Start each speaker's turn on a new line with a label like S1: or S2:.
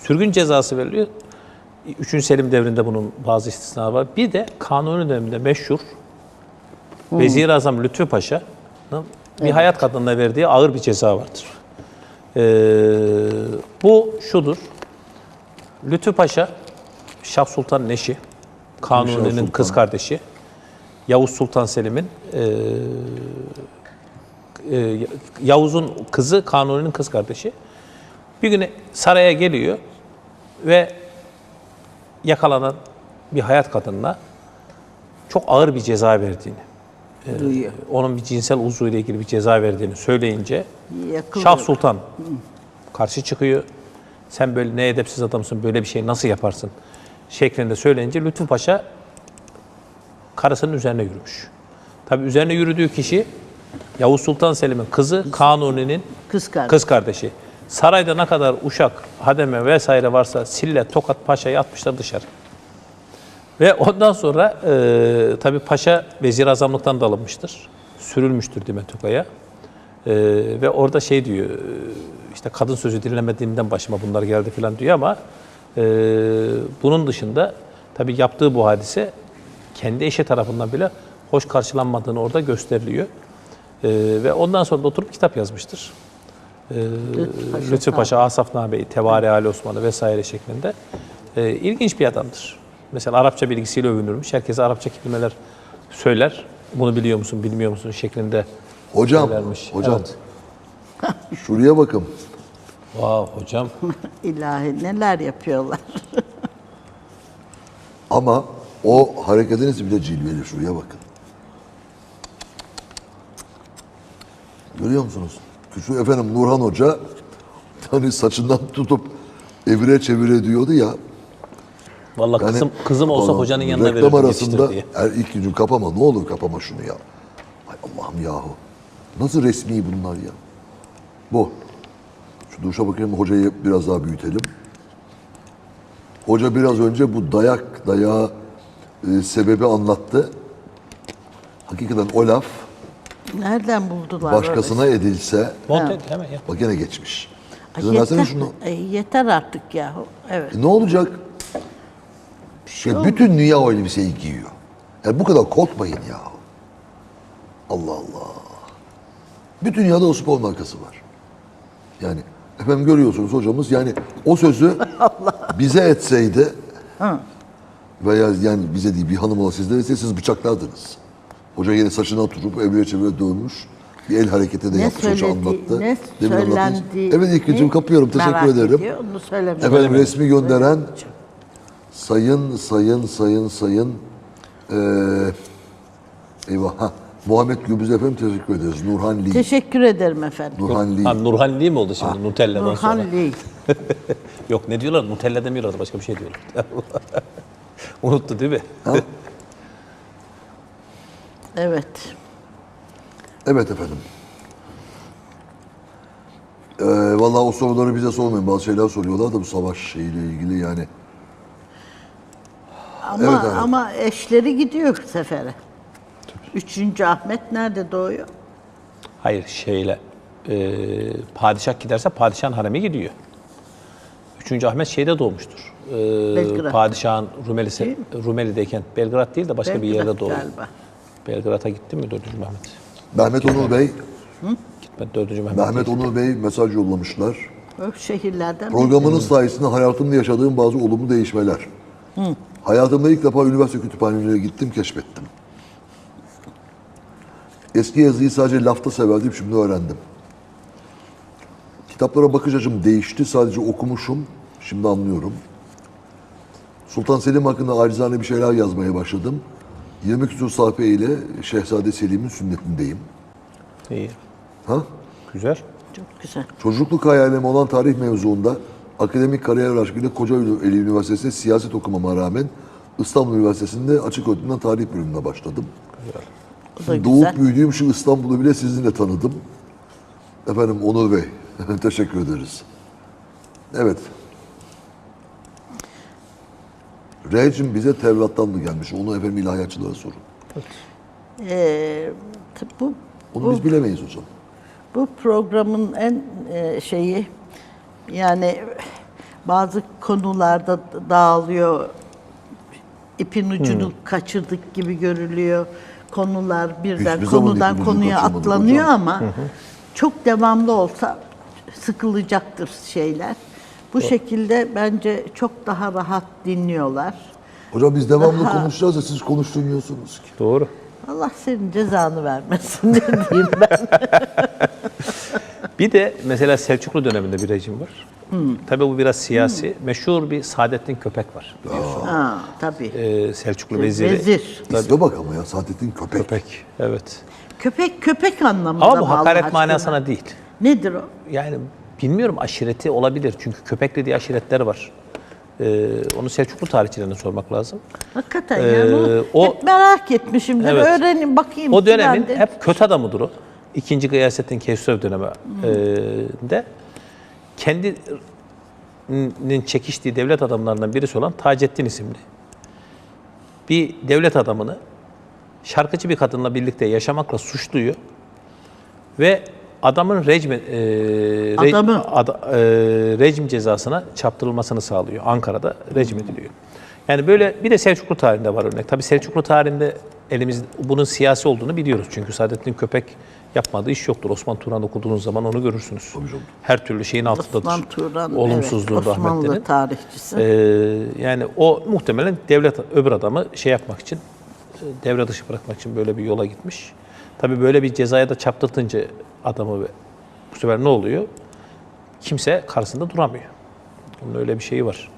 S1: sürgün cezası veriliyor. 3. Selim devrinde bunun bazı istisnaları var. Bir de Kanuni döneminde meşhur Vezir-i Azam Lütfü Paşa'nın bir hayat kadınına verdiği ağır bir ceza vardır. Bu şudur. Lütfü Paşa, Şah Sultan'ın eşi, Kanuni'nin kız kardeşi, Yavuz Sultan Selim'in, Yavuz'un kızı, Kanuni'nin kız kardeşi. Bir gün saraya geliyor ve yakalanan bir hayat kadınına çok ağır bir ceza verdiğini, onun bir cinsel uzvuyla ilgili bir ceza verdiğini söyleyince Şah Sultan karşı çıkıyor. Sen böyle ne edepsiz adamsın, böyle bir şey nasıl yaparsın şeklinde söyleyince Lütfü Paşa karısının üzerine yürümüş. Tabii üzerine yürüdüğü kişi Yavuz Sultan Selim'in kızı, Kanuni'nin kız kardeşi. Sarayda ne kadar uşak, hademe vesaire varsa sille, tokat paşayı atmışlar dışarı. Ve ondan sonra tabii paşa vezir azamlıktan da alınmıştır. Sürülmüştür Dimetoka'ya. Ve orada şey diyor, işte kadın sözü dinlemediğimden başıma bunlar geldi falan diyor ama bunun dışında tabii yaptığı bu hadise kendi eşi tarafından bile hoş karşılanmadığını orada gösteriliyor. Ve ondan sonra da oturup kitap yazmıştır. Lütfü Paşa, Asafname-i Tevari Ali Osmanlı vesaire şeklinde. İlginç bir adamdır. Mesela Arapça bilgisiyle övünürmüş. Herkese Arapça kelimeler söyler. Bunu biliyor musun, bilmiyor musun şeklinde söylermiş.
S2: Hocam,
S1: evet.
S2: Şuraya bakın.
S1: Wow, hocam.
S3: İlahi neler yapıyorlar.
S2: Ama o hareketiniz bile cilveli. Şuraya bakın. Görüyor musunuz? Şu efendim Nurhan Hoca hani saçından tutup evire çevire diyordu ya.
S1: Vallahi
S2: Yani,
S1: kızım olsa hocanın yanına
S2: reklam
S1: verirdim
S2: arasında
S1: diye.
S2: ilk gün kapama, ne olur kapama şunu ya. Ay Allah'ım yahu. Nasıl resmi bunlar ya? Bu. Şu duşa bakayım, hocayı biraz daha büyütelim. Hoca biraz önce bu dayağı sebebi anlattı. Hakikaten o laf
S3: Nereden buldular?
S2: başkasına edilse
S1: Monte hemen yap.
S2: bak gene geçmiş.
S3: Ay,
S2: Kızım versene şunu.
S3: yeter artık yahu. Evet.
S2: Ne olacak? Bütün dünya o elbiseyi giyiyor. Yani bu kadar korkmayın ya. Allah Allah. Bütün dünyada o spor markası var. Yani efendim görüyorsunuz hocamız yani o sözü bize etseydi veya yani bize değil bir hanım ola sizlere etseydi siz bıçaklardınız. Hoca yine saçına oturup evreye çevreye dönmüş. Bir el hareketi de yapmış hoca anlattı.
S3: Ne
S2: Demin anlattınız.
S3: söylendi?
S2: Evet İlkeciğim kapıyorum. Teşekkür ederim.
S3: Ediyor, onu söylemiş.
S2: Efendim resmi gönderen sayın eyvah Muhammed Gürbüz efendim teşekkür ederiz. Nurhan Lee.
S3: Teşekkür ederim efendim.
S2: Nurhan Lee.
S1: Ha, Nurhan Lee mi oldu şimdi Nutella'dan sonra?
S3: Nurhan Lee.
S1: Yok ne diyorlar? Nutella demiyorlar, başka bir şey diyorlar. Unuttu değil mi?
S3: Evet.
S2: Evet efendim. Vallahi o soruları bize sormayın. Bazı şeyler soruyorlar da bu savaş şeyiyle ilgili yani.
S3: Ama eşleri gidiyor sefere. 3. Ahmet nerede doğuyor?
S1: Hayır padişah giderse padişahın haremi gidiyor. 3. Ahmet şeyde doğmuştur.
S3: Belgrad.
S1: Padişahın Rumeli'deyken Belgrad değil de başka bir yerde doğuyor.
S3: Galiba.
S1: Belgrad'a gitti mi 4. Mehmet?
S2: Mehmet Onur Bey,
S1: Gitmedi 4. Mehmet.
S2: Mehmet Onur Bey mesaj yollamışlar.
S3: O şehirlerden
S2: Programınız sayesinde hayatımda yaşadığım bazı olumlu değişmeler. Hayatımda ilk defa üniversite kütüphanelerine gittim, keşfettim. Eski yazıyı sadece lafta severdim, şimdi öğrendim. Kitaplara bakış açım değişti, sadece okumuşum, şimdi anlıyorum. Sultan Selim hakkında acizane bir şeyler yazmaya başladım. 20 küsur sayfa ile Şehzade Selim'in sünnetindeyim.
S1: İyi.
S2: Ha?
S1: Güzel.
S3: Çok güzel.
S2: Çocukluk hayalim olan tarih mevzuunda akademik kariyer aşkıyla Kocaeli Üniversitesi'nde siyaset okumama rağmen İstanbul Üniversitesi'nde açık öğretimden tarih bölümüne başladım.
S3: O da güzel.
S2: Doğup büyüdüğüm şu İstanbul'u bile sizinle tanıdım. Efendim Onur Bey, teşekkür ederiz. Evet. R'cim bize Tevrat'tan mı gelmiş? Onu efendim ilahiyatçılara sorun. Onu biz bilemeyiz hocam.
S3: Bu programın en şeyi yani Bazı konularda dağılıyor. İpin ucunu kaçırdık gibi görülüyor. Konular birden
S2: Hiçbir zaman
S3: konudan
S2: ipin ucu
S3: konuya
S2: kaçırmadık
S3: atlanıyor
S2: hocam.
S3: ama çok devamlı olsa sıkılacaktır şeyler. Bu şekilde bence çok daha rahat dinliyorlar.
S2: Hocam biz devamlı konuşacağız da siz konuşturmuyorsunuz ki.
S1: Doğru.
S3: Allah senin cezanı vermesin ne diyeyim ben.
S1: Bir de mesela Selçuklu döneminde bir rejim var. Tabii bu biraz siyasi. Meşhur bir Saadettin Köpek var biliyorsun.
S3: Ha, tabii.
S1: Selçuklu veziri.
S3: Vezir.
S2: İsme bak ama ya Saadettin Köpek.
S1: Köpek. Evet.
S3: Köpek anlamında
S1: Ama bu
S3: mı Allah
S1: hakaret
S3: aşkına?
S1: manasına değil.
S3: Nedir o?
S1: Yani bilmiyorum, aşireti olabilir. Çünkü Köpekli diye aşiretler var. Onu Selçuklu tarihçilerine sormak lazım.
S3: Hakikaten yani bunu
S1: o-
S3: hep merak etmişimdir.
S1: Evet.
S3: Öğrenin bakayım.
S1: O dönemin
S3: Ben de-
S1: hep kötü adamıdır o. İkinci Gıyasettin Kevser döneminde kendinin çekiştiği devlet adamlarından birisi olan Taceddin isimli bir devlet adamını şarkıcı bir kadınla birlikte yaşamakla suçluyor ve adamın rejim cezasına çarptırılmasını sağlıyor. Ankara'da rejim ediliyor. Yani böyle bir de Selçuklu tarihinde var örnek. Tabii Selçuklu tarihinde bunun siyasi olduğunu biliyoruz. Çünkü Saadettin Köpek yapmadığı iş yoktur. Osman Turan okuduğunuz zaman onu görürsünüz. Her türlü şeyin altındadır.
S3: Osman Turan,
S1: Olumsuzluğun,
S3: evet, Osmanlı
S1: rahmetlerin.
S3: tarihçisi.
S1: Yani o muhtemelen öbür adamı şey yapmak için, devre dışı bırakmak için böyle bir yola gitmiş. Tabii böyle bir cezaya da çarptırtınca adamı bu sefer ne oluyor? Kimse karşısında duramıyor. Bunun öyle bir şeyi var.